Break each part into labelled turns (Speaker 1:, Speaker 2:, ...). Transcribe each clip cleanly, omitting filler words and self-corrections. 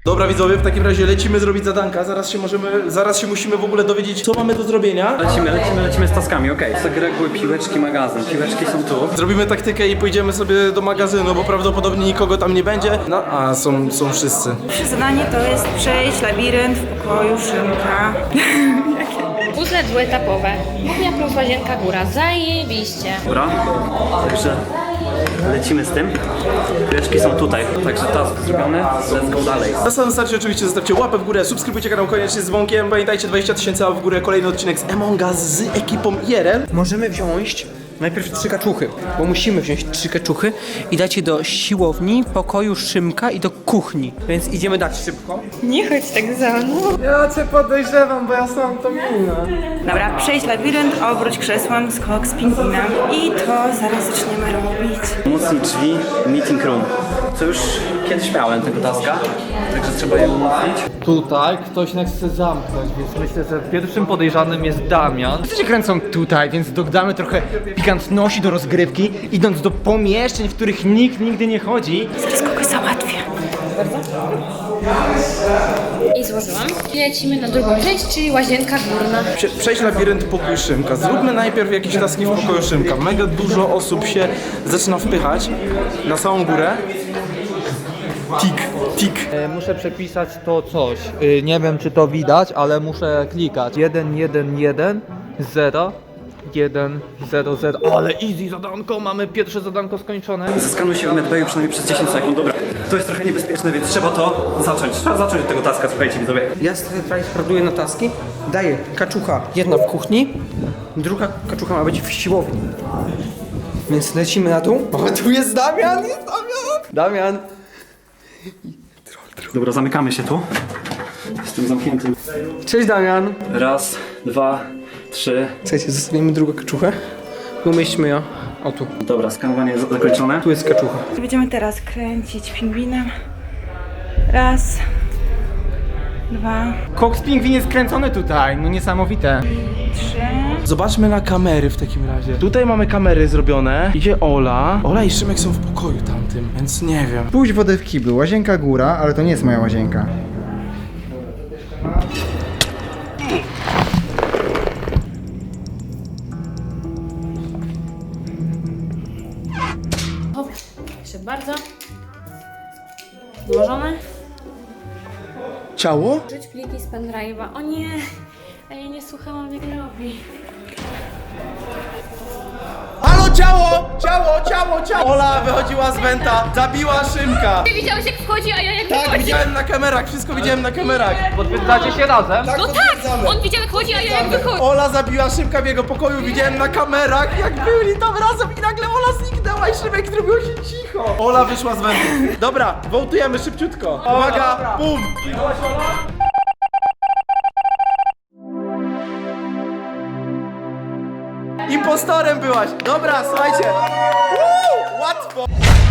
Speaker 1: Dobra widzowie, w takim razie lecimy zrobić zadanka. Zaraz się musimy w ogóle dowiedzieć, co mamy do zrobienia.
Speaker 2: Lecimy z taskami, okej. Zagregły piłeczki, magazyn. Piłeczki są tu.
Speaker 1: Zrobimy taktykę i pójdziemy sobie do magazynu, bo prawdopodobnie nikogo tam nie będzie. No, a są wszyscy.
Speaker 3: Pierwsze zadanie to jest przejść labirynt w pokoju Szymka.
Speaker 4: Puzzle dwuetapowe. Kuchnia plus łazienka góra. Zajebiście.
Speaker 2: Dobra, także lecimy z tym. Piłeczki są tutaj, także task zrobiony. Let's go dalej.
Speaker 1: Na samym starcie oczywiście zostawcie łapę w górę, subskrybujcie kanał koniecznie z dzwonkiem. Pamiętajcie, 20 000 w górę, kolejny odcinek z Among Us z ekipą IRL.
Speaker 5: Możemy wziąć najpierw 3 kaczuchy, bo musimy wziąć 3 kaczuchy i dać je do siłowni, pokoju Szymka i do kuchni. Więc idziemy dać szybko.
Speaker 4: Nie chodź tak za mną.
Speaker 5: Ja cię podejrzewam, bo ja sam to minę.
Speaker 3: Dobra, przejść labirynt, obróć krzesłem, skok z pingwinem. I to zaraz zaczniemy robić.
Speaker 2: Umocnić drzwi, meeting room. Co już kiedyś miałem tego taska, także trzeba je umocnić.
Speaker 6: Tutaj ktoś nas chce zamknąć, więc myślę, że pierwszym podejrzanym jest Damian.
Speaker 5: Wszyscy się kręcą tutaj, więc dodamy trochę pikantności do rozgrywki, idąc do pomieszczeń, w których nikt nigdy nie chodzi.
Speaker 3: Zaraz kogoś załatwię.
Speaker 4: I złożyłam. I lecimy na drugą część, czyli łazienka górna.
Speaker 1: Przejść labirynt pokój Szymka. Zróbmy najpierw jakieś taski w pokoju Szymka. Mega dużo osób się zaczyna wpychać na samą górę. Tik.
Speaker 6: Muszę przepisać to coś. Nie wiem, czy to widać, ale muszę klikać. 1, 1, 1, 0, 1, 0, 0. Ale easy zadanko, mamy pierwsze zadanko skończone.
Speaker 2: Zeskanuj się w medbayu przynajmniej przez 10 sekund. Dobra, to jest trochę niebezpieczne, więc trzeba to zacząć. Trzeba zacząć od tego taska, słuchajcie widzowie.
Speaker 5: Ja tutaj sprawduję na taski, daję kaczucha jedna w kuchni, druga kaczucha ma być w siłowni. Więc lecimy na dół. O, tu jest Damian, Damian!
Speaker 2: Dobra, zamykamy się tu. Jestem zamknięty.
Speaker 5: Cześć Damian!
Speaker 2: Raz, dwa, trzy.
Speaker 5: Słuchajcie, zostawimy drugą kaczuchę i umieśćmy ją. O tu.
Speaker 2: Dobra, skanowanie jest zakończone.
Speaker 5: Tu jest kaczucha.
Speaker 3: Będziemy teraz kręcić pingwinem. Raz. Dwa.
Speaker 5: Koks pingwin jest kręcony tutaj, no niesamowite.
Speaker 3: Trzy.
Speaker 1: Zobaczmy na kamery w takim razie. Tutaj mamy kamery zrobione. Idzie Ola. Ola i Szymek są w pokoju tamtym, więc nie wiem.
Speaker 7: Pójdź wodę w kiblu, łazienka góra, ale to nie jest moja łazienka.
Speaker 4: Hop, jeszcze bardzo. Złożone.
Speaker 1: Ciało?
Speaker 4: Rzuć pliki z pendrive'a. O nie! A ja nie słuchałam, jak robi.
Speaker 1: Halo, ciało! Ola wychodziła z wenta, zabiła Szymka.
Speaker 4: Ty widziałeś, jak wchodzi, a ja jak
Speaker 1: Tak,
Speaker 4: wychodzi.
Speaker 1: widziałem na kamerach, wszystko widziałem na kamerach.
Speaker 6: Potwierdzacie się razem?
Speaker 4: No tak! On widział, jak wchodzi, a ja jak wychodzi.
Speaker 1: Ola zabiła Szymka w jego pokoju, widziałem na kamerach, jak byli tam razem i nagle Ola zniknęła i Szymek zrobiło się cicho. Ola wyszła z wentu. Dobra, wołtujemy szybciutko. Uwaga, bum! Impostorem byłaś! Dobra, słuchajcie! Łatwo!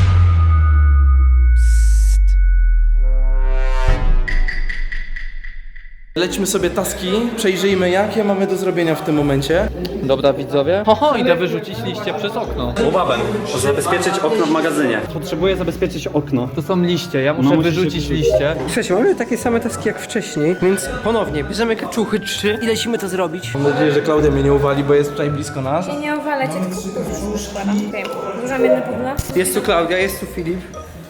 Speaker 1: Lećmy sobie taski, przejrzyjmy jakie mamy do zrobienia w tym momencie.
Speaker 6: Dobra widzowie. Ho, idę wyrzucić liście przez okno.
Speaker 2: Łobabem. Zabezpieczyć okno w magazynie.
Speaker 6: Potrzebuję zabezpieczyć okno. To są liście, ja muszę
Speaker 2: No, musisz
Speaker 6: wyrzucić
Speaker 2: je
Speaker 6: liście.
Speaker 5: Słuchajcie, mamy takie same taski jak wcześniej, więc ponownie bierzemy kaczuchy 3 i lecimy to zrobić.
Speaker 1: Mam nadzieję, że Klaudia mnie nie uwali, bo jest tutaj blisko nas.
Speaker 4: Ja nie owalę cię, tylko już składam. Okej. Włożam jedno pudło.
Speaker 5: Jest tu Klaudia, jest tu Filip.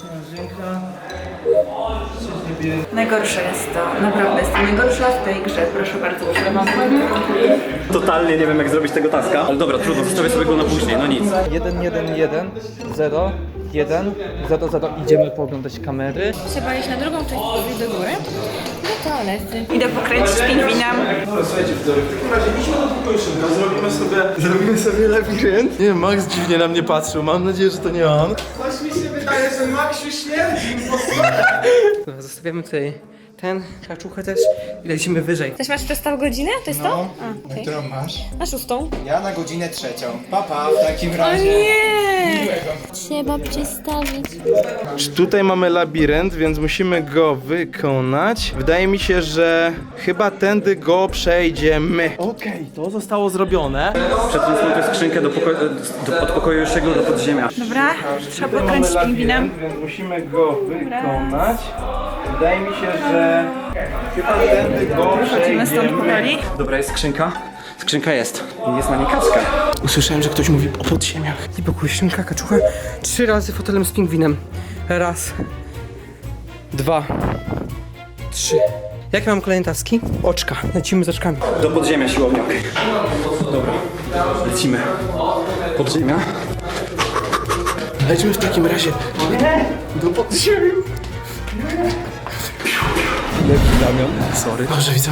Speaker 3: Najgorsze jest to. Naprawdę jestem najgorsza w tej grze. Proszę bardzo, używam.
Speaker 2: Totalnie nie wiem jak zrobić tego taska. Ale dobra, trudno, zostawię sobie go na później, no nic.
Speaker 6: 1, 1, 1, 0, 1, 0, 0. Idziemy pooglądać kamery.
Speaker 4: Trzeba iść na drugą część pokoju do góry. Do toalety.
Speaker 3: Idę pokręcić pingwinem.
Speaker 1: Dobra, słuchajcie, w takim razie idźmy do pokoju Szymka, zrobimy sobie labirynt. Nie wiem, Max dziwnie na mnie patrzył, mam nadzieję, że to nie on. Coś mi się wydaje, że Maxiu śmierdzi.
Speaker 5: Dobra, zostawiamy tutaj ten, kaczuchę też i lecimy wyżej.
Speaker 4: Też masz przestaw godzinę? To jest to? A, okej.
Speaker 7: Którą masz?
Speaker 4: Na 6.
Speaker 7: Ja na godzinę 3. Papa, w takim
Speaker 4: O
Speaker 7: razie.
Speaker 4: nie! Trzeba przestawić.
Speaker 1: Tutaj mamy labirynt, więc musimy go wykonać. Wydaje mi się, że chyba tędy go przejdziemy. Okej, to zostało zrobione.
Speaker 2: Przed tym są tę skrzynkę od pokoju jeszcze do podziemia.
Speaker 3: Dobra, trzeba pokręcić pingwinem.
Speaker 1: Więc musimy go wykonać. Wydaje mi się, że chyba tędy go
Speaker 3: Chodzimy stąd powoli.
Speaker 2: Dobra, jest skrzynka. Skrzynka jest. Jest na niej kaczka.
Speaker 1: Usłyszałem, że ktoś mówi o podziemiach.
Speaker 5: I pokój, szynka, kaczucha. 3 razy fotelem z pingwinem. Raz. 2. 3. Jakie mam kolejne taski? Oczka. Lecimy z oczkami.
Speaker 2: Do podziemia siłownia. Dobra, lecimy. Podziemia.
Speaker 1: Lecimy w takim razie do podziemi. Damian, sorry. Dobrze, widzowie.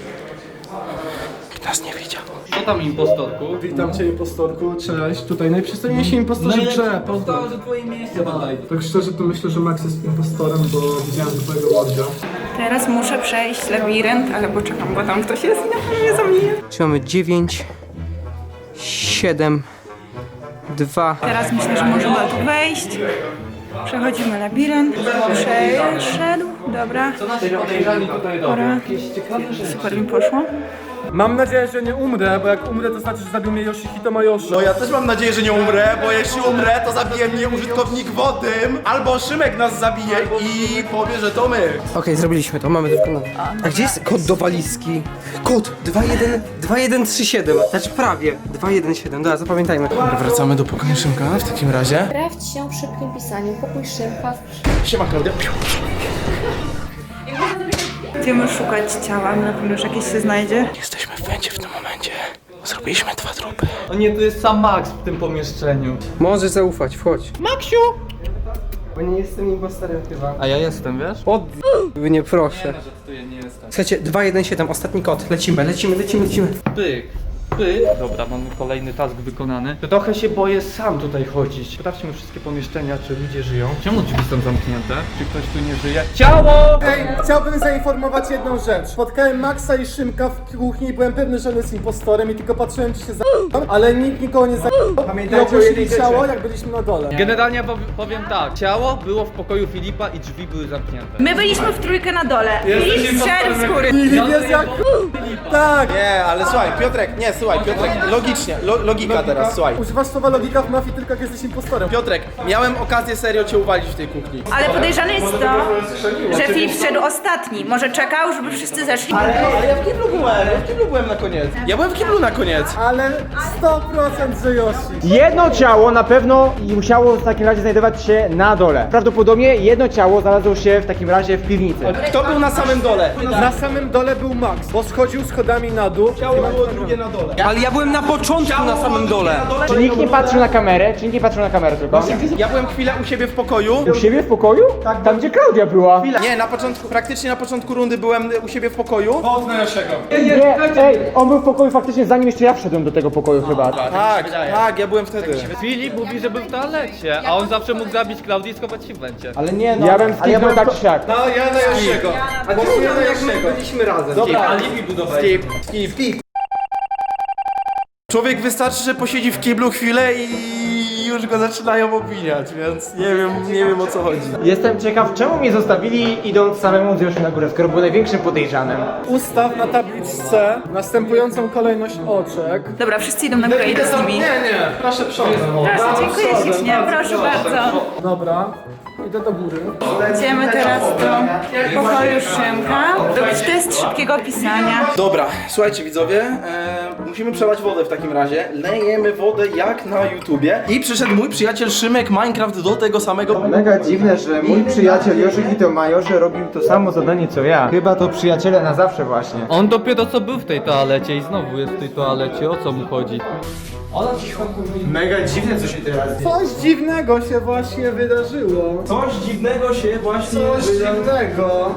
Speaker 1: Nas nie widział.
Speaker 6: Co tam impostorku?
Speaker 8: Witam cię, impostorku, cześć. Tutaj najprzystojniejsi impostorzy w grze, pozdro.
Speaker 6: twoje miejsce badaj.
Speaker 8: Tak szczerze to myślę, że Max jest impostorem, bo widziałem twojego łodzia.
Speaker 3: Teraz muszę przejść labirynt, ale poczekam, bo tam ktoś jest i na pewno mnie zabije.
Speaker 5: Czyli mamy 9, 7, 2.
Speaker 3: Teraz myślę, że możemy tu wejść. Przechodzimy labirynt. Przeszedł. Dobra.
Speaker 6: Podejrzani tutaj do.
Speaker 3: Dobra. Super mi poszło.
Speaker 8: Mam nadzieję, że nie umrę, bo jak umrę, to znaczy, że zabił mnie Yoshihito Mayoshi.
Speaker 1: No ja też mam nadzieję, że nie umrę, bo jeśli umrę, to zabije mnie użytkownik wodym, albo Szymek nas zabije i powie, że to my.
Speaker 5: Okej, zrobiliśmy to, mamy to wykonane. A gdzie jest kod do walizki? Kod 2137. Znaczy prawie 217. Dobra, zapamiętajmy.
Speaker 1: Wracamy do pokoju Szymka w takim razie.
Speaker 4: Sprawdź się w szybkim pisaniu. Pokój Szymka.
Speaker 1: Siema, Klaudia.
Speaker 3: Idziemy szukać ciała, na pewno już jakieś się znajdzie.
Speaker 1: Jesteśmy w wędzie w tym momencie. Zrobiliśmy 2 trupy.
Speaker 6: O nie, tu jest sam Max w tym pomieszczeniu.
Speaker 5: Możesz zaufać, wchodź. Maksiu! Bo nie jestem impostorem chyba.
Speaker 6: A ja jestem, wiesz?
Speaker 5: Nie proszę.
Speaker 6: Że tu ja nie jestem.
Speaker 5: Słuchajcie, 217, ostatni kod. Lecimy.
Speaker 6: Pyk. Pyk. Dobra, mamy kolejny task wykonany. To trochę się boję sam tutaj chodzić. Sprawdźmy wszystkie pomieszczenia, czy ludzie żyją. Czemu drzwi są zamknięte? Czy ktoś tu nie żyje? Ciało!
Speaker 8: Ej, chciałbym zainformować jedną rzecz. Spotkałem Maxa i Szymka w kuchni i byłem pewny, że on jest impostorem i tylko patrzyłem, czy się ale nikt nikogo nie i ogłosili ciało, jak byliśmy na dole.
Speaker 6: Generalnie powiem tak. Ciało było w pokoju Filipa i drzwi były zamknięte.
Speaker 3: My byliśmy w trójkę na dole. Filip strzelił z góry.
Speaker 8: Filip jest jak... Tak!
Speaker 1: Nie, ale słuchaj, Piotrek, logicznie, logika teraz, słuchaj.
Speaker 8: Używasz słowa logika w mafii tylko jak jesteś impostorem.
Speaker 1: Piotrek, miałem okazję serio cię uwalić w tej kuchni.
Speaker 3: Ale podejrzane jest to, że Filip wszedł ostatni. Może czekał, żeby wszyscy zeszli.
Speaker 1: Ale ja w kiblu byłem na koniec. Ja byłem w kiblu na koniec.
Speaker 8: Ale 100% że Yoshi.
Speaker 9: Jedno ciało na pewno musiało w takim razie znajdować się na dole. Prawdopodobnie jedno ciało znalazło się w takim razie w piwnicy.
Speaker 1: Kto był na samym dole?
Speaker 8: Na samym dole był Max, bo schodził schodami na dół.
Speaker 1: Ciało było drugie na dole.
Speaker 5: Ale ja byłem na początku na samym dole.
Speaker 9: Czy nikt nie patrzył na kamerę? Czy nikt nie patrzył na kamerę tylko?
Speaker 1: Ja byłem chwilę u siebie w pokoju.
Speaker 9: U siebie w pokoju? Tak. Tam gdzie Klaudia była.
Speaker 1: Nie, praktycznie na poczęciu rundy byłem u siebie w pokoju.
Speaker 9: Nie, ej, on był w pokoju faktycznie zanim jeszcze ja wszedłem do tego pokoju chyba.
Speaker 1: Tak, ja byłem wtedy.
Speaker 6: Filip mówi, że był w toalecie, a on zawsze mógł zabić Klaudię i schować się w węcie.
Speaker 9: Ale nie no. Ja bym skipnął tak czy siak.
Speaker 1: No, ja na Josiego.
Speaker 5: A głosuję na jak my byliśmy razem.
Speaker 1: Dobra,
Speaker 6: alibi budować.
Speaker 1: skip. Człowiek wystarczy, że posiedzi w kiblu chwilę i już go zaczynają obwiniać, więc nie wiem o co chodzi.
Speaker 9: Jestem ciekaw, czemu mnie zostawili idąc samemu z Yoshi na górę, skoro był największym podejrzanym.
Speaker 8: Ustaw na tabliczce następującą kolejność oczek.
Speaker 3: Dobra, wszyscy idą na górę, idę z nimi.
Speaker 8: Nie, proszę przodem.
Speaker 3: Dziękuję ślicznie, proszę bardzo.
Speaker 8: Dobra, idę do góry.
Speaker 3: Idziemy teraz do pokoju Szymka. Robić test szybkiego pisania.
Speaker 1: Dobra, słuchajcie widzowie, musimy przelać wodę w takim razie. Lejemy wodę jak na YouTubie. I przyszedł mój przyjaciel Szymek Minecraft do tego samego.
Speaker 9: Mega dziwne, że mój przyjaciel Yoshihito Mayoshi robił to samo zadanie co ja. Chyba to przyjaciele na zawsze właśnie.
Speaker 6: On dopiero co był w tej toalecie i znowu jest w tej toalecie, o co mu chodzi?
Speaker 9: Mega dziwne co się teraz dzieje.
Speaker 8: Coś dziwnego się właśnie wydarzyło.
Speaker 1: Coś dziwnego się właśnie
Speaker 8: Coś dziwnego.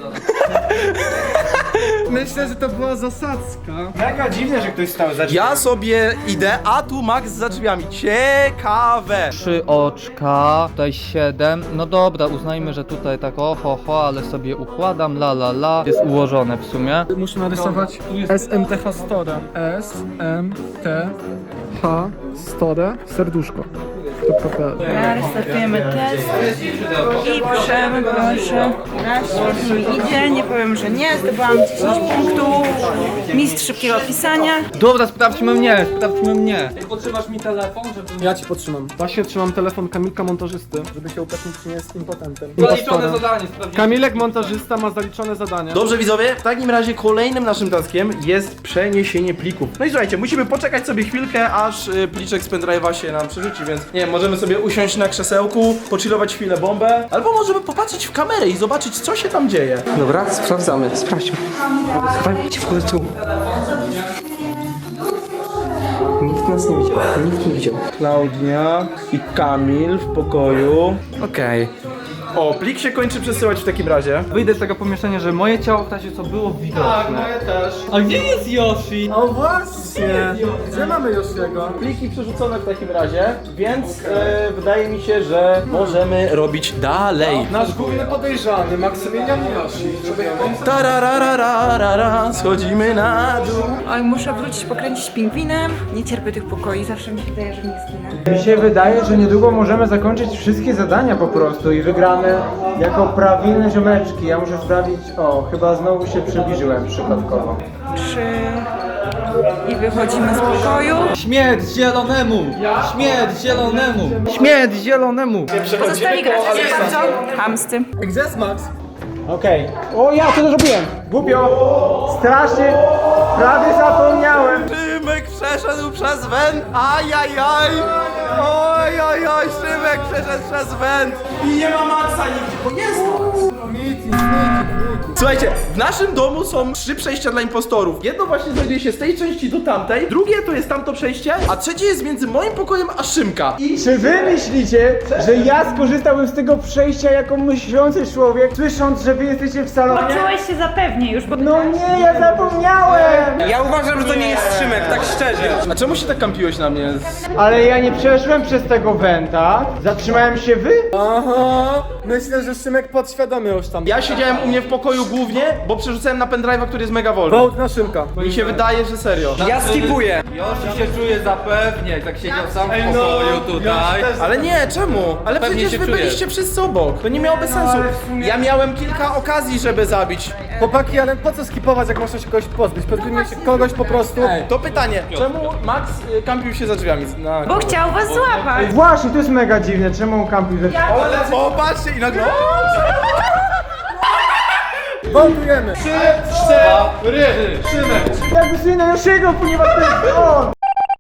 Speaker 8: Myślę, że to była zasadzka.
Speaker 9: Mega dziwne, że ktoś stał za
Speaker 1: Ja sobie idę, a tu Max za drzwiami. Ciekawe.
Speaker 6: 3 oczka, tutaj 7. No dobra, uznajmy, że tutaj tak ho, ale sobie układam, la. Jest ułożone w sumie.
Speaker 8: Muszę narysować SMTH Store. SMTH Store. Serduszko.
Speaker 3: Restartujemy test i piszemy, proszę. Raz mi idzie, nie powiem, że nie. Zdobyłam 10 punktów. Mistrz szybkiego pisania.
Speaker 6: Dobra, sprawdźmy mnie. Potrzymasz mi telefon, żeby...
Speaker 8: Ja ci podtrzymam. Właśnie trzymam telefon Kamilka montażysty, żeby się upewnić, czy nie jest impotentem.
Speaker 6: Zaliczone zadanie, sprawdzimy.
Speaker 8: Kamilek montażysta ma zaliczone zadania.
Speaker 1: Dobrze widzowie, w takim razie kolejnym naszym taskiem jest przeniesienie plików. No i słuchajcie, musimy poczekać sobie chwilkę, aż pliczek z pendrive'a się nam przerzuci, więc nie wiem, możemy sobie usiąść na krzesełku, pochillować chwilę bombę, albo możemy popatrzeć w kamerę i zobaczyć, co się tam dzieje.
Speaker 5: Dobra, sprawdzamy, sprawdźmy. Chowajmy się w ogóle tu. Nikt nas nie widział, nikt nie widział.
Speaker 1: Klaudia i Kamil w pokoju.
Speaker 5: Okej.
Speaker 1: O, plik się kończy przesyłać w takim razie.
Speaker 6: Wyjdę z tego pomieszczenia, że moje ciało w razie co było widoczne.
Speaker 8: też.
Speaker 6: A gdzie jest Yoshi?
Speaker 8: O właśnie! Gdzie mamy Yoshiego?
Speaker 1: Pliki przerzucone w takim razie, więc wydaje mi się, że możemy robić dalej.
Speaker 8: Nasz główny podejrzany, Maksymilian Yoshi.
Speaker 1: Tararararara, schodzimy na dół.
Speaker 3: Oj, muszę wrócić, pokręcić pingwinem. Nie cierpię tych pokoi, zawsze mi się wydaje, że nie zginę.
Speaker 9: Mi się wydaje, że niedługo możemy zakończyć wszystkie zadania po prostu i wygramy jako prawilne ziomeczki. Ja muszę sprawdzić, o, chyba znowu się przybliżyłem przypadkowo.
Speaker 3: 3 i wychodzimy z pokoju.
Speaker 6: Śmierć zielonemu! Śmierć zielonemu! Śmierć zielonemu!
Speaker 3: Pozostali gracze są bardzo chamscy.
Speaker 8: Gdzie jest Max?
Speaker 9: Okej. O, ja co to zrobiłem? Głupio! Strasznie! Prawie zapomniałem!
Speaker 1: Szymek przeszedł przez węd, ajajaj! Oj, Szymek przeszedł przez węd i nie ma Maxa nigdzie, bo jest Max! Słuchajcie, w naszym domu są 3 przejścia dla impostorów. Jedno właśnie znajduje się z tej części do tamtej, drugie to jest tamto przejście, a trzecie jest między moim pokojem a Szymka.
Speaker 9: Czy wy myślicie, że ja skorzystałbym z tego przejścia jako myślący człowiek, słysząc, że wy jesteście w salonie?
Speaker 3: Czułeś się zapewnie już, bo...
Speaker 9: No nie, ja zapomniałem! Ja uważam, że to nie jest Szymek, tak szczerze.
Speaker 1: A czemu się tak kampiłeś na mnie?
Speaker 9: Ale ja nie przeszłem przez tego wenta. Zatrzymałem się wy?
Speaker 8: Aha! Myślę, że Szymek podświadomie już tam.
Speaker 1: Ja siedziałem u mnie w pokoju głównie, bo przerzucałem na pendrive'a, który jest mega wolny.
Speaker 8: Wołt na Szymka.
Speaker 1: Mi się wydaje, że serio.
Speaker 5: Ja skipuję.
Speaker 6: Yoshi się czuje zapewnie, tak siedział sam w pokoju tutaj.
Speaker 1: Ale nie, czemu? Ale
Speaker 6: Pewnie
Speaker 1: przecież
Speaker 6: się
Speaker 1: wy
Speaker 6: czujesz.
Speaker 1: byliście wszyscy obok. To nie miałoby sensu. Ja miałem kilka okazji, żeby zabić.
Speaker 8: Chłopaki, ale po co skipować, jak można się kogoś pozbyć? Pozbyjmy się kogoś po prostu.
Speaker 1: To pytanie, czemu Max kampił się za drzwiami?
Speaker 3: Bo chciał was złapać.
Speaker 9: Właśnie, to jest mega dziwne, czemu on kampił ze...
Speaker 1: O, patrzcie i nagle...
Speaker 8: Wołtujemy!
Speaker 9: Ja głosuję na Josiego, ponieważ to jest on!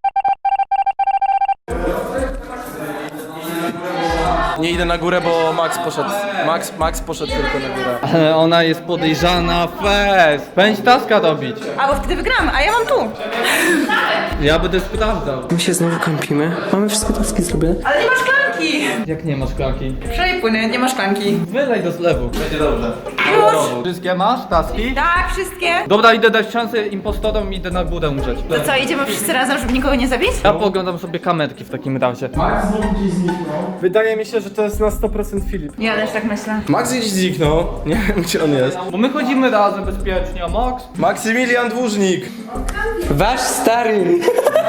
Speaker 1: Nie idę na górę, bo Max poszedł. Max poszedł tylko na górę.
Speaker 6: Ale ona jest podejrzana fest. Pędź taska robić.
Speaker 3: A bo wtedy wygram, a ja mam tu.
Speaker 6: Ja będę sprawdzał.
Speaker 5: My się znowu kampimy. Mamy wszystkie taski zrobione.
Speaker 3: Ale nie ma szklanki.
Speaker 6: Jak nie ma szklanki?
Speaker 3: Przelej płyny, nie ma szklanki.
Speaker 6: Wylej do zlewu. Będzie dobrze.
Speaker 3: Już.
Speaker 6: Wszystkie masz? Taski?
Speaker 3: Tak, wszystkie.
Speaker 6: Dobra, idę dać szansę impostorom i idę na górę umrzeć.
Speaker 3: To co, idziemy wszyscy razem, żeby nikogo nie zabić?
Speaker 6: Ja pooglądam sobie kamerki w takim razie.
Speaker 8: Wydaje mi się, że to jest na 100% Filip.
Speaker 3: Ja też tak myślę.
Speaker 1: Max gdzieś zniknął. Nie wiem, gdzie on jest.
Speaker 6: Bo my chodzimy razem bezpiecznie, a Max?
Speaker 1: Maksymilian Dłużnik.
Speaker 5: Wasz stary!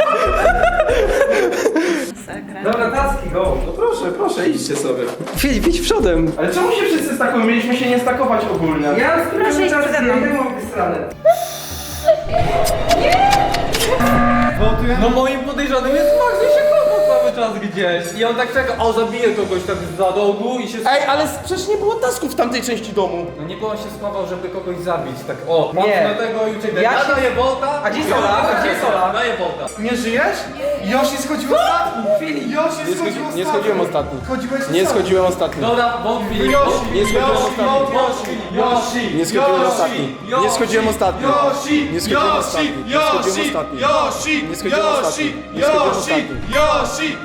Speaker 1: Dobra, taski, go. No proszę, idźcie sobie.
Speaker 5: Filip, idź przodem!
Speaker 1: Ale czemu się wszyscy stakują? Mieliśmy się nie stakować ogólnie.
Speaker 3: Proszę iść przede mną.
Speaker 6: No moim podejrzanym jest Max, ja się kopał cały czas gdzieś. I on tak czeka, o zabije kogoś tak za rogu i się...
Speaker 1: Ej, ale przecież nie było tasków w tamtej części domu.
Speaker 6: No nie było się schował, żeby kogoś zabić, tak o,
Speaker 5: Nie.
Speaker 6: mocno tego i uciekł. Ja daję bolta.
Speaker 5: A gdzie Sola? A gdzie Sola?
Speaker 6: Daję bolta.
Speaker 8: Nie żyjesz? Yoshi schodził ostatni! Filip! Yoshi schodził
Speaker 1: Nie schodziłem ostatni.
Speaker 8: Chodziłeś
Speaker 1: Nie schodziłem ostatni.
Speaker 6: Dobra, bolt Filip.
Speaker 1: Nie schodziłem ostatni. Nie schodziłem ostatni. Nie schodziłem ostatni. Nie schodziłem ostatni. Nie schodziłem ostatni. Nie schodziłem ostatni. Nie schodziłem ostatni.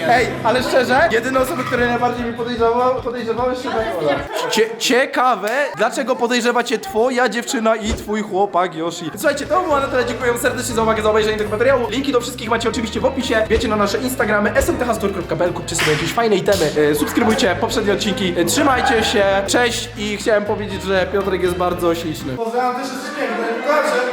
Speaker 1: Ej, ale szczerze, jedyne osoby, które najbardziej mi podejrzewały Szymek Ola. Ciekawe, dlaczego podejrzewacie twoja dziewczyna i twój chłopak Yoshi. Słuchajcie, to było na tyle, dziękuję serdecznie za uwagę, za obejrzenie tego materiału. Linki do wszystkich macie oczywiście w opisie. Wiecie na nasze Instagramy smthstore.pl, kupcie sobie jakieś fajne itemy, subskrybujcie poprzednie odcinki, trzymajcie się, cześć i chciałem powiedzieć, że Piotrek jest bardzo śliczny.
Speaker 8: Pozdrawiam też jeszcze piękne.